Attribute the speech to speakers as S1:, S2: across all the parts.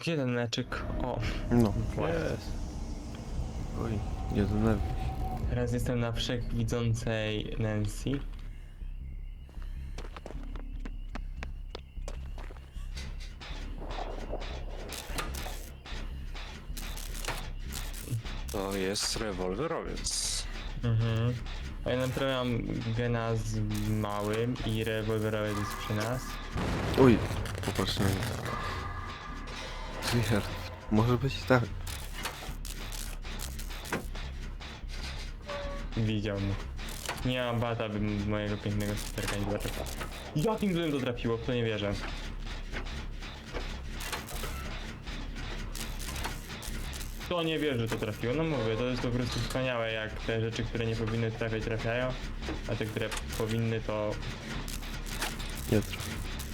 S1: Gdzie ten meczyk? O,
S2: No.
S1: właśnie.
S2: Jest. Oj, nie denerwuj się.
S1: Teraz jestem na wszechwidzącej Nancy.
S3: To jest rewolwerowiec.
S1: Mhm. A ja naprawiam gena z małym i rewolwerowiec jest przy nas.
S2: Uj, popatrz na mnie. Richard, może być tak.
S1: Widział mnie. Nie mam bata, bym mojego pięknego superka nie zobaczył. Jakim złym to trafiło? W to nie wierzę. To nie wierzę, że to trafiło. No mówię, to jest po prostu wspaniałe, jak te rzeczy, które nie powinny trafiać, trafiają, a te, które powinny, to...
S2: Nie trafi.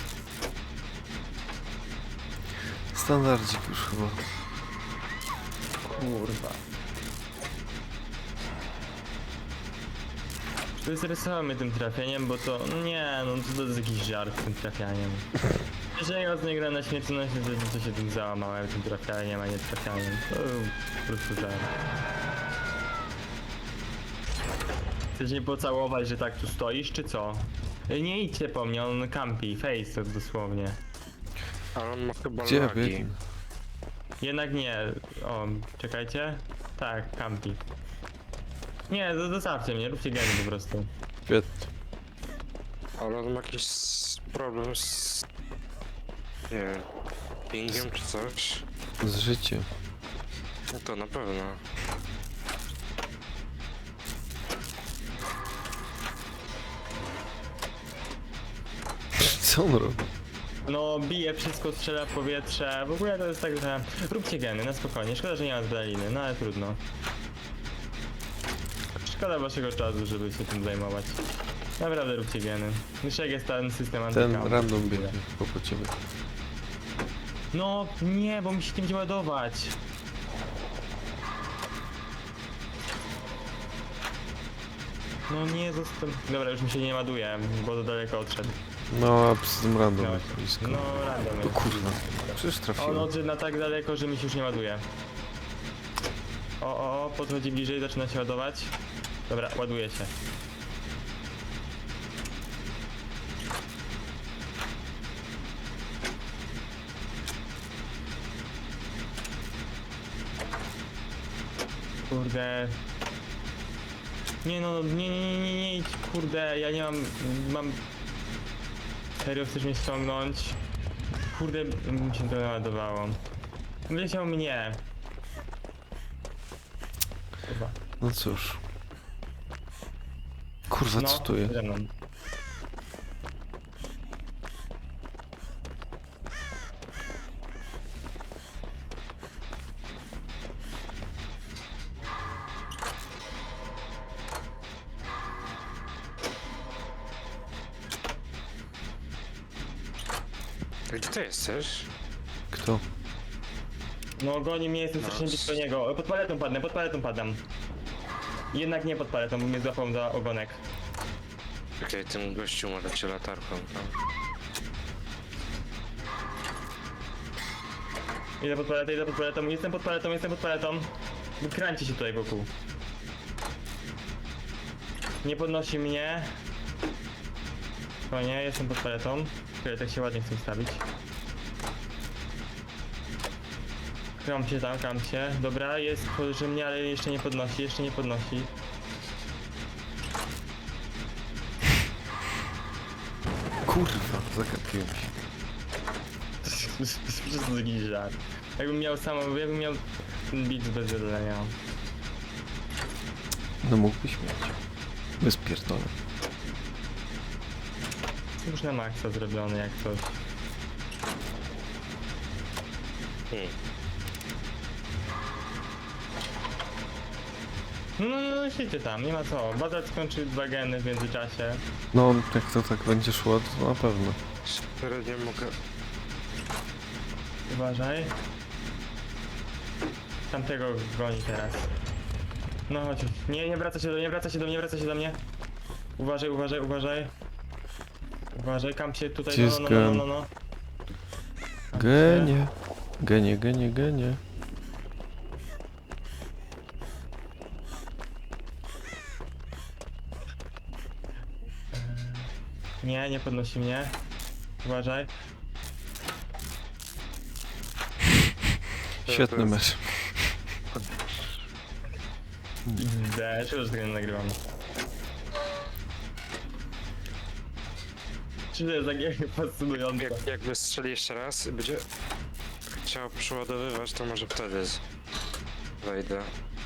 S2: Standardzik już chyba.
S1: Kurwa. Wystresował mnie tym trafieniem, bo to... Nie, no to jest jakiś żart tym trafianiem. Jeżeli raz nie gra na śmiertelności, to się tym załamałem, tym trafianiem, a nie trafianiem. To był po prostu żart. Chcesz mnie pocałować, że tak tu stoisz, czy co? Nie idźcie po mnie, on campi, face to dosłownie.
S3: Ale on ma chyba
S2: Gdzie
S3: lagi.
S2: biegnie?
S1: Jednak nie. O, czekajcie. Tak, campi. Nie, zostawcie mnie, róbcie geny po prostu.
S2: Świetnie.
S3: Ale on ma jakiś problem z... Nie wiem, pingiem czy coś.
S2: Z życiem.
S3: No to na pewno.
S2: Co on robi?
S1: No, bije wszystko, strzela w powietrze. W ogóle to jest tak, że... Róbcie geny, na spokojnie. Szkoda, że nie ma zdaliny, no ale trudno. Szkoda waszego czasu, żeby się tym zajmować. Naprawdę róbcie geny. Jeszcze jak jest ten system
S2: Ten
S1: antykamp.
S2: random biegnie po ciebie.
S1: No, nie, bo mi się tym będzie ładować. No nie, został... Dobra, już mi się nie ładuje, bo to daleko odszedł.
S2: No, a przy tym random
S1: No,
S2: jest blisko.
S1: no random
S2: O
S1: jest.
S2: kurwa. Przecież
S1: On
S2: trafiłem.
S1: odszedł na tak daleko, że mi się już nie ładuje. O, podchodzi bliżej, zaczyna się ładować. Dobra, ładuje się. Kurde. Nie no, nie idź, kurde, ja nie mam... Serio, chcesz mnie ściągnąć? Kurde, mi się to naładowało. Wyleciał mnie. Chyba.
S2: No cóż. Kurwa,
S1: No,
S2: co tu jest?
S1: ze mną.
S3: Gdzie ty jesteś?
S2: Kto?
S1: No goni mnie, jestem
S3: No.
S1: strasznie blisko niego. Pod paletą padam. Jednak nie pod paletą, bo mnie złapał za ogonek.
S3: Okej, ten gościu ma cię latarką tam.
S1: Idę pod paletą, jestem pod paletą. Kręci się tutaj wokół. Nie podnosi mnie. O nie, jestem pod paletą. Które tak się ładnie chcę ustawić. Kam się. Dobra, jest przy mnie, ale jeszcze nie podnosi.
S2: Kurwa, zagapiłem się.
S1: To jest taki żart. Jakbym miał ten beat bez zadania.
S2: No mógłbyś mieć. Bez pierdolę.
S1: Już na maksa zrobiony jak coś. No, siedźcie tam, nie ma co. Bazar skończy 2 geny w międzyczasie.
S2: No, jak to tak będzie szło, to na pewno.
S3: Średnio mogę...
S1: Uważaj. Tamtego goni teraz. No chodź. Nie wraca się do mnie. Uważaj. Uważaj, kamp się tutaj,
S2: Gdzie jest
S1: no.
S2: gen?
S1: Kamp się.
S2: Genie. Genie, genie, genie.
S1: Nie, nie podnosi mnie. Uważaj.
S2: Świetny mecz.
S1: XD, czego, że tego nie nagrywam? Czy to jest takie fascynujące?
S3: Jakby strzeli jeszcze raz i będzie chciał przeładowywać, to może wtedy wejdę.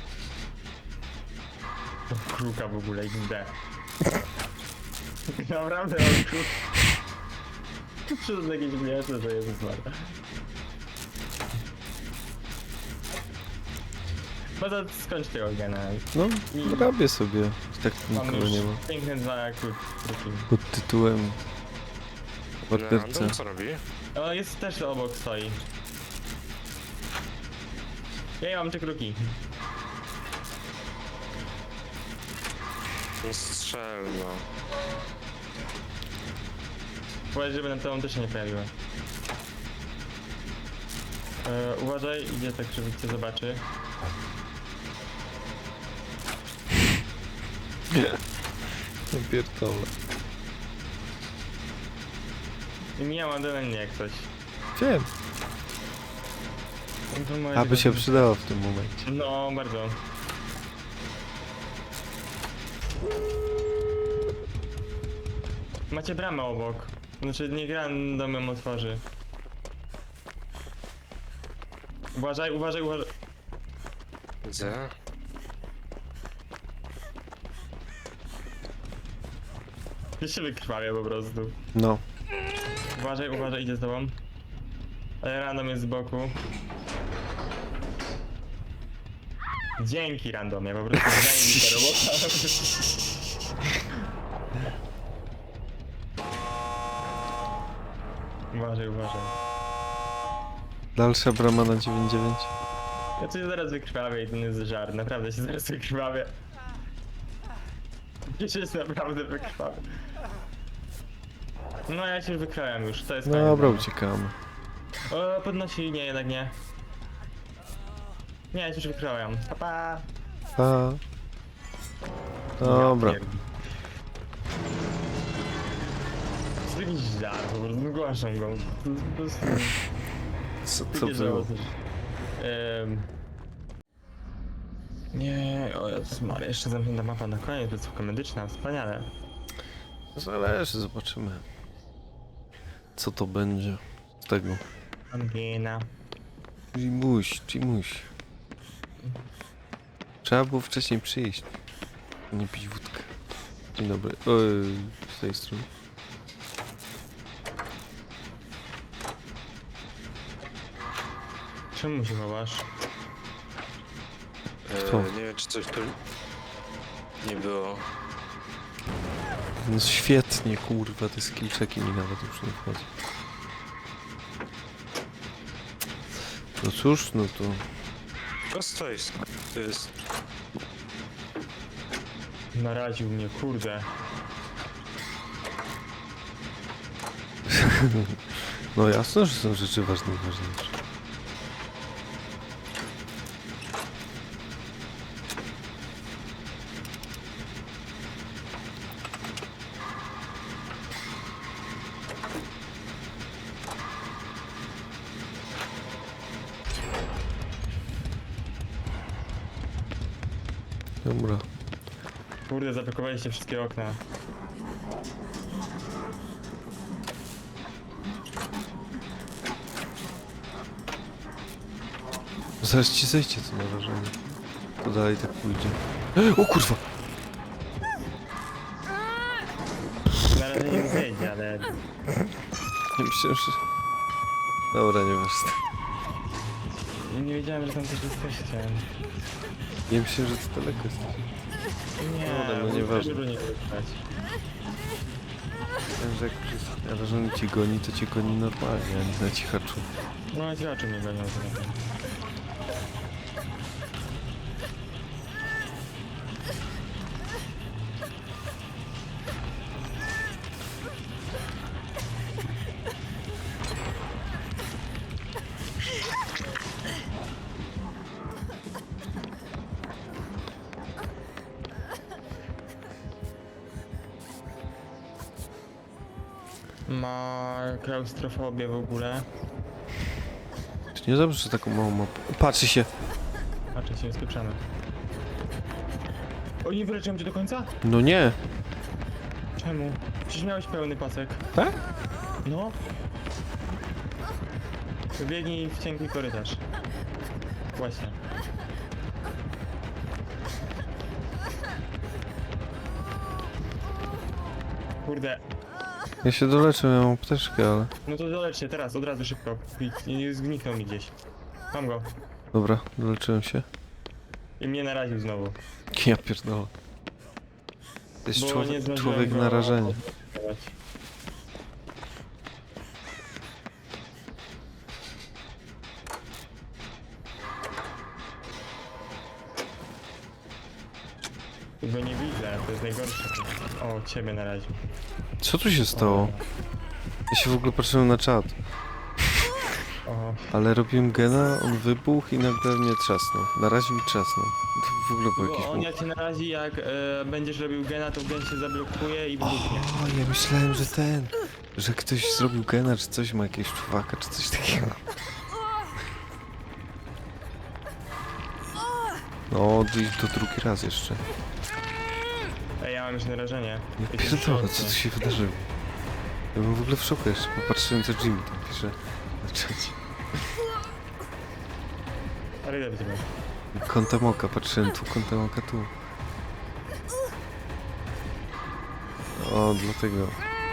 S1: Kruka w ogóle, XD. Naprawdę mam kruk. Czy to jest jakieś śmieszne, to jest smart. No to skończ tego gena.
S2: No,
S1: I-
S2: robię sobie. Tak
S1: Mam
S2: nikogo
S1: już
S2: nie ma.
S1: piękne dwa kruki.
S2: Pod tytułem... Morderca.
S3: Random co robi?
S1: O, jest też obok stoi. Ja mam te kruki.
S3: No strzel, no.
S1: Powiedz, żeby na tobą też się nie pojawiły. Uważaj, idzie tak, żeby cię zobaczy.
S2: Nie pierdolę.
S1: I mijam adrenalinie jak coś.
S2: Wiem.
S1: Informuję,
S2: Aby
S1: że-
S2: się przydało w tym momencie.
S1: No, bardzo. Macie bramę obok. Znaczy, nie random ją otworzy. Uważaj, uważaj, uważaj.
S3: Widzę.
S1: Ja się wykrwawia po prostu.
S2: No.
S1: Uważaj, uważaj, idzie z tobą. Ale random jest z boku. Dzięki randomie, po prostu zajmij robota. Uważaj, uważaj.
S2: Dalsza brama na 9-9.
S1: Ja coś zaraz wykrwawię i to nie jest żart, naprawdę się zaraz wykrwawię. Ja się naprawdę wykrwawię. No ja się wykrwawiam już, to jest
S2: No
S1: koniec.
S2: dobra, uciekamy.
S1: O, podnosi, nie, jednak nie. Nie, ja się już wykrwawiam. Pa, pa.
S2: A. Dobra.
S1: Ja pierd- To jest jakiś żart, po prostu zgłaszam go. To jest po prostu...
S2: Co
S1: takie
S2: było?
S1: żałosne. Nie, o Jezus Maria, jeszcze zamknięta mapa na koniec, placówka medyczna, wspaniale.
S2: Zależy, zobaczymy. Co to będzie z tego?
S1: Angina.
S2: Jimuś. Trzeba było wcześniej przyjść. Nie pić wódkę. Dzień dobry. Oj, z tej strony.
S1: Czemu się chowasz?
S2: Kto?
S3: Nie wiem, czy coś tu nie było.
S2: No świetnie, kurwa, te skillczeki mi nawet już nie wchodzą. No cóż, no to...
S3: Prosto to jest.
S1: Naraził mnie, kurde.
S2: No jasno, że są rzeczy ważne i ważniejsze. Dobra.
S1: Kurde, zablokowaliście wszystkie okna.
S2: Zaraz ci zejdzie to narażenie. To dalej tak pójdzie. O kurwa!
S1: Na razie nie wyjdzie, ale...
S2: Nie myślałem, że... Dobra, nieważne.
S1: Nie wiedziałem, że tam coś jesteście.
S2: Nie myślałem, że to daleko jest.
S1: Nie,
S2: Dobra, no
S1: bo
S2: nieważne.
S1: dużo nie wygrać.
S2: Myślałem, że jak narażony cię goni, to cię goni normalnie, a nie na cichaczu.
S1: No, ci oczy mnie gonią to na tym. ma klaustrofobię w ogóle.
S2: To niedobrze, że taką małą mapę. Patrzy się.
S1: Patrzę się, spieprzamy. O, nie wyleczyłem cię do końca?
S2: No nie.
S1: Czemu? Przecież miałeś pełny pasek.
S2: Tak?
S1: No. Biegnij w cienki korytarz. Właśnie. Kurde.
S2: Ja się doleczę, ja mam apteczkę, ale...
S1: No to dolecz się teraz, od razu szybko. I zgniknął mi gdzieś. Mam go.
S2: Dobra, doleczyłem się.
S1: I mnie naraził znowu.
S2: Ja pierdolę. To jest
S1: Bo nie
S2: człowiek,
S1: zdążyłem
S2: człowiek
S1: go
S2: narażenia.
S1: odblokować. Go nie widzę, to jest najgorsze. O, ciebie naraził.
S2: Co tu się stało? Ja się w ogóle patrzyłem na czat.
S1: O,
S2: Ale robiłem gena, on wybuchł i nagle mnie trzasnął. Na razie mi trzasnął. To w ogóle był jakiś
S1: bo on
S2: bóg.
S1: jak cię narazi, jak będziesz robił gena, to gen się zablokuje i wybuchnie.
S2: O, ja myślałem, że ten... Że ktoś zrobił gena, czy coś ma jakiegoś człowieka, czy coś takiego. No, i to drugi raz jeszcze.
S1: Ej, ja mam już narażenie.
S2: Ja
S1: Jestem w
S2: pierdolę,
S1: szoku.
S2: co tu się wydarzyło? Ja byłem w ogóle w szoku jeszcze, popatrzyłem co Jimmy tam pisze na czacie.
S1: Ale idę do ciebie.
S2: Kątem oka, patrzyłem tu, kątem oka tu. O, dlatego.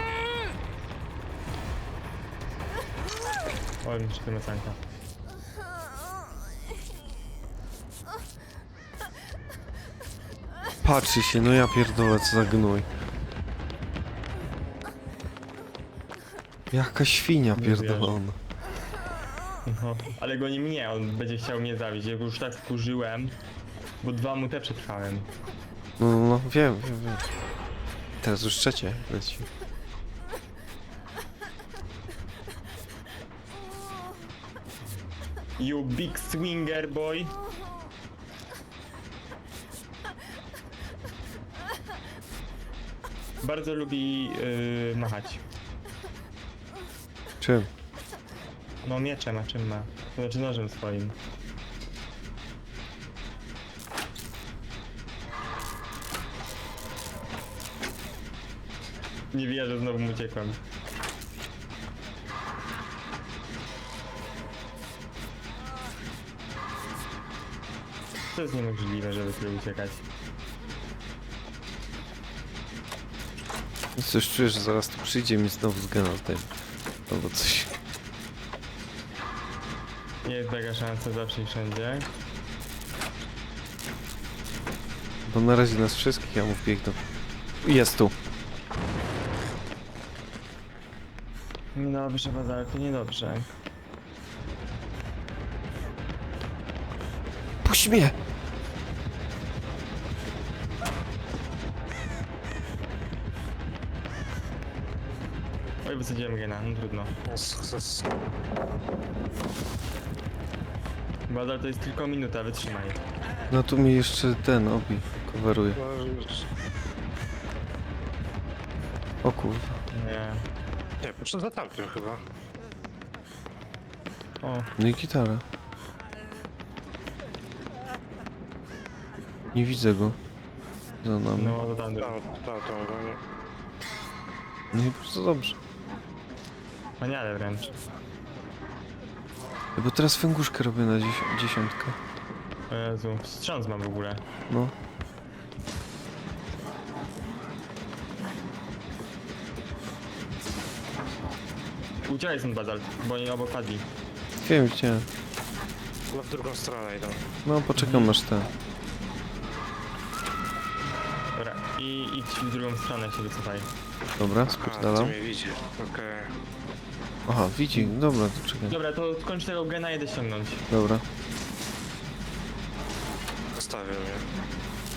S1: O, mi się macanka.
S2: Patrzy się, no ja pierdolę, co za gnój. Jaka świnia
S1: Nie wierzę.
S2: pierdolona.
S1: No, ale goni mnie, on będzie chciał mnie zabić. Ja go już tak wkurzyłem, bo 2 mu te przetrwałem.
S2: No, wiem. Teraz już trzecie leci.
S1: You big swinger boy. Bardzo lubi machać.
S2: Czym?
S1: No mieczem, a czym ma? To znaczy nożem swoim. Nie wierzę, znowu mu uciekłem. To jest niemożliwe, żeby tyle uciekać.
S2: No coś czuję, że zaraz tu przyjdzie mi znowu z gena ten. Albo coś.
S1: Nie jest taka szansa zawsze i wszędzie.
S2: Bo na razie nas wszystkich, ja mu wbiegną. Jest tu.
S1: Niedobrze, Bazalku, niedobrze.
S2: Puść mnie!
S1: Oj, wysadziłem gena, no trudno.
S3: Sukces.
S1: Bazal to jest tylko minuta, wytrzymaj.
S2: No tu mi jeszcze ten obi coveruje. O kurwa.
S1: Nie.
S3: Nie, poszedł za tamtym chyba.
S1: O,
S2: No i gitara. Nie widzę go. Za nami.
S1: no to tam.
S3: Tam go nie.
S2: No i bardzo dobrze.
S1: Wspaniale wręcz.
S2: Bo teraz fęguszkę robię na dziesiątkę.
S1: O Jezu, wstrząs mam w ogóle.
S2: No.
S1: Uciekaj stąd, Bazal, bo oni obok padli.
S2: Wiem, widziałem.
S3: No w drugą stronę idą.
S2: No poczekam aż ten.
S1: Dobra, i idź w drugą stronę, się wycofaj.
S2: Dobra,
S3: A, ty
S2: spierdalam.
S3: mnie widzi. Okej.
S2: Aha, widzi. Dobra, to czekaj.
S1: Dobra, to skończ tego gena, jedę ściągnąć.
S2: Dobra.
S3: Zostawił mnie.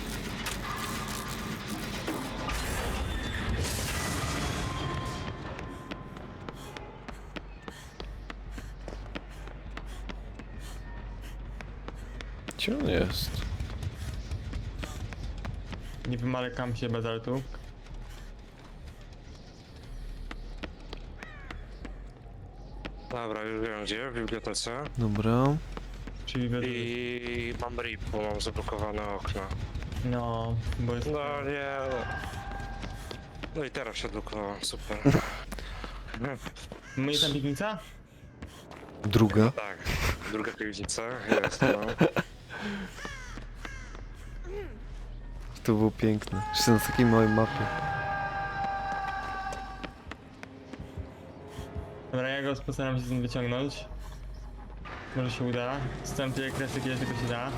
S2: Gdzie on jest?
S1: Nie wymalekam się bazaltu.
S3: Dobra, już wiem gdzie, w bibliotece.
S2: Dobra.
S1: Czyli bez...
S3: I mam rip, bo mam zablokowane okno.
S1: No, bo jest...
S3: No nie. No i teraz się odblokowałem, super.
S1: My jest tam piwnica?
S2: Druga.
S3: Tak, druga piwnica jest, no.
S2: To było piękne. Jeszcze na takiej małej mapie.
S1: Dobra, ja go postaram się stąd wyciągnąć. Może się uda. Zostałem tyle kresek, ile tylko się da.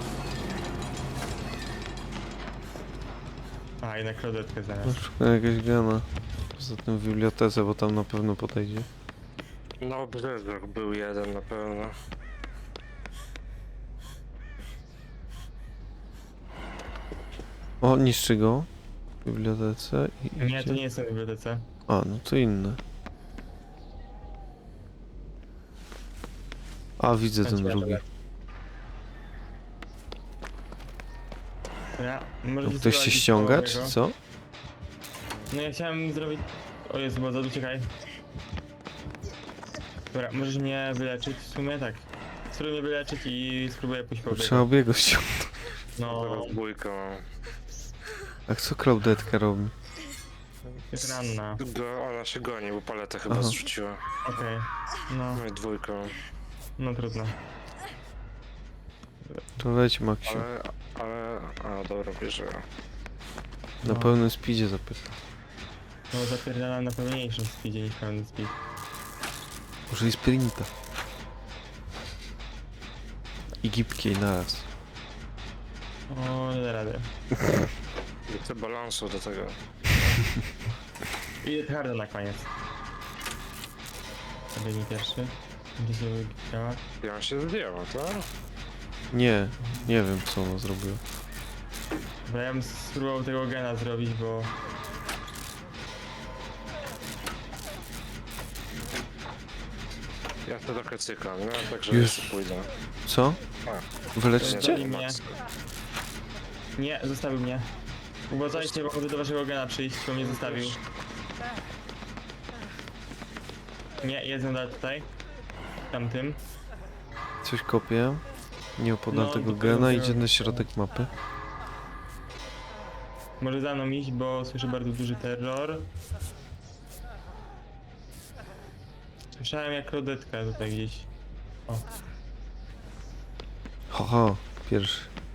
S1: A, jednak rodetkę zaraz.
S2: Szukam jakaś gana. Poza tym w bibliotece, bo tam na pewno podejdzie.
S3: No, Brzezbrook był jeden na pewno.
S2: O, niszczy go. W bibliotece i
S1: Nie,
S2: idzie.
S1: to nie jest w bibliotece.
S2: A, no to inne. A, widzę ten
S1: Chodź,
S2: drugi.
S1: Dobra, może
S2: To ktoś się ściąga, czy co?
S1: No ja chciałem zrobić... O Jezu, bo uciekaj. Dobra, możesz mnie wyleczyć? W sumie tak. Spróbuj mnie wyleczyć i spróbuję pójść po
S2: Trzeba
S1: biegu.
S2: obiego ściągnąć.
S1: No,
S3: Teraz dwójką.
S2: A co Claudetka robi?
S1: jest ranna.
S3: Ona się goni, bo paletę chyba
S2: Aha.
S3: zrzuciła.
S1: Okej. No,
S3: No i dwójką.
S1: no trudno.
S2: To wejdź, Maksiu.
S3: A dobra, bierze.
S2: Na
S1: No.
S2: pełnym speedzie zapytam.
S1: No zapierdalam na pełniejszym speedzie niż pełny speed.
S2: Może i sprinta. I gibkiej naraz.
S1: O, nie da rady.
S3: Nie chcę balansu do tego.
S1: I harda na koniec. Biegnij pierwszy. Będzie się działa.
S3: Ja się zdjęła, tak?
S2: Nie, nie wiem co ona zrobiła.
S1: Dobra, ja bym spróbował tego gena zrobić, bo...
S3: Ja to trochę cykam, no także
S2: Już.
S3: jeszcze pójdę.
S2: Co? Wyleczycie?
S1: Zabij mnie. Nie, zostawił mnie. Uważajcie, bo chodzę do waszego gena przyjść, bo mnie zostawił. Nie, jest nadal tutaj. Tamtym.
S2: Coś kopię. Nie opodam
S1: No,
S2: tego
S1: do
S2: gena,
S1: tego
S2: idzie na
S1: gena.
S2: środek mapy.
S1: Może za mną iść, bo słyszę bardzo duży terror. Słyszałem jak rodetka tutaj gdzieś. O,
S2: Haha, pierwszy.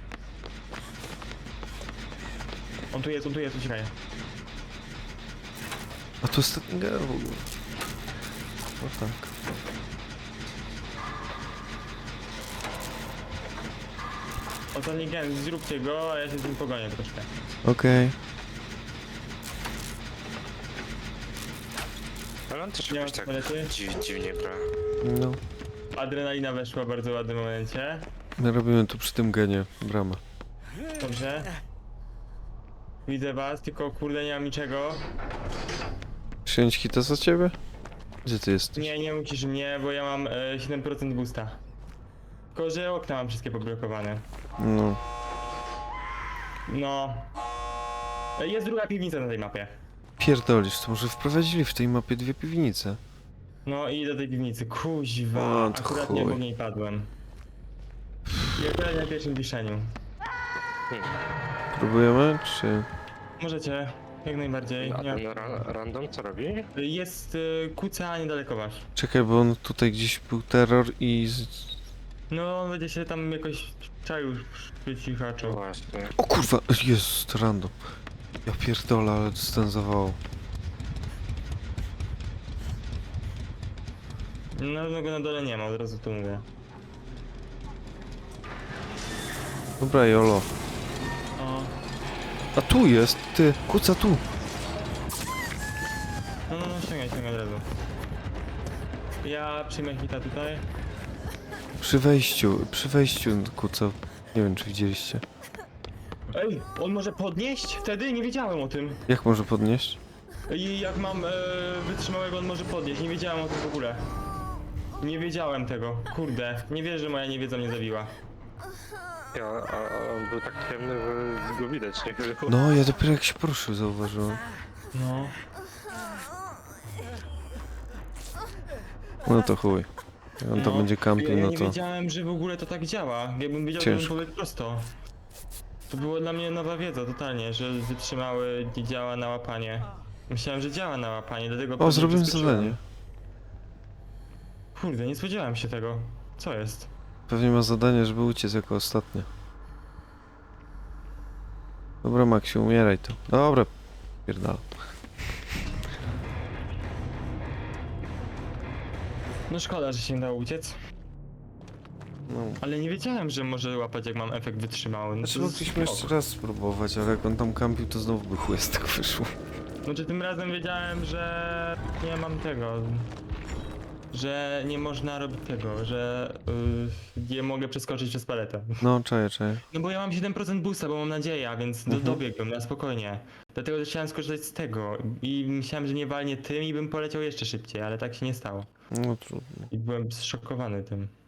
S1: on tu jest, uciekaj.
S2: A to ostatni gen w ogóle. No tak.
S1: Oto nie gen, zróbcie go, a ja się z nim pogonię troszkę.
S2: Okej.
S3: Ale on też
S1: Nie
S3: jakoś
S1: ma
S3: tak
S1: palety?
S3: dziwnie gra.
S2: No.
S1: Adrenalina weszła w bardzo ładnym momencie.
S2: My robimy tu przy tym genie bramę.
S1: Dobrze. Widzę was, tylko kurde nie mam niczego.
S2: Przyjąć hita za ciebie? Gdzie ty jesteś?
S1: Nie, nie musisz mnie, bo ja mam 7% boosta. Tylko, że okna mam wszystkie poblokowane.
S2: No.
S1: No. Jest druga piwnica na tej mapie.
S2: Pierdolisz, to może wprowadzili w tej mapie dwie piwnice.
S1: No i do tej piwnicy. Kuźwa,
S2: O, to
S1: akurat nie
S2: chuj.
S1: po niej padłem. I akurat na pierwszym wiszeniu.
S2: Próbujemy, czy...
S1: Możecie, jak najbardziej.
S3: A
S1: Nie ma-
S3: ten random co robi?
S1: Jest kuca niedaleko was.
S2: Czekaj, bo on tutaj gdzieś był terror i...
S1: No, on będzie się tam jakoś czaił
S3: No
S1: wycichaczał.
S3: właśnie.
S2: O kurwa, jest random. Ja pierdolę, ale dystansowało.
S1: No go na dole nie ma, od razu to mówię.
S2: Dobra, jolo.
S1: O,
S2: A tu jest, ty, kuca tu.
S1: no, ściągaj od razu. Ja przyjmę hita tutaj.
S2: Przy wejściu kuca. Nie wiem, czy widzieliście.
S1: Ej, on może podnieść? Wtedy nie wiedziałem o tym.
S2: Jak może podnieść?
S1: I jak mam wytrzymałego, on może podnieść. Nie wiedziałem o tym w ogóle. Nie wiedziałem tego. Kurde, nie wierzę, że moja niewiedza mnie zabiła.
S3: A on był tak ciemny, że go widać nie było.
S2: No, ja dopiero jak się poruszył zauważyłem.
S1: No.
S2: No to chuj. On tam będzie kampił,
S1: ja
S2: no
S1: nie
S2: to...
S1: wiedziałem, że w ogóle to tak działa. Jakbym wiedział, to
S2: Ciężko.
S1: bym pobiegł prosto. To było dla mnie nowa wiedza totalnie, że wytrzymały nie działa na łapanie. Myślałem, że działa na łapanie, dlatego
S2: O,
S1: pewnie
S2: zrobimy
S1: wyskoczyłem.
S2: zadanie.
S1: Kurde, nie spodziewałem się tego. Co jest?
S2: Pewnie ma zadanie, żeby uciec jako ostatnie. Dobra, Maksiu, umieraj tu. Dobra, pierdala.
S1: No szkoda, że się nie dało uciec.
S2: No.
S1: Ale nie wiedziałem, że może łapać jak mam efekt wytrzymały. No
S2: Znaczy
S1: to
S2: mogliśmy jeszcze
S1: spoko.
S2: raz spróbować, ale jak on tam kampił, to znowu by chuj z tego wyszło.
S1: Znaczy tym razem wiedziałem, że nie mam tego. Że nie można robić tego, że nie mogę przeskoczyć przez paletę.
S2: No, czaję.
S1: No bo ja mam 7% boosta, bo mam nadzieję, a więc dobiegłem na spokojnie. Dlatego też chciałem skorzystać z tego i myślałem, że nie walnie tym i bym poleciał jeszcze szybciej, ale tak się nie stało.
S2: No trudno.
S1: I byłem zszokowany tym.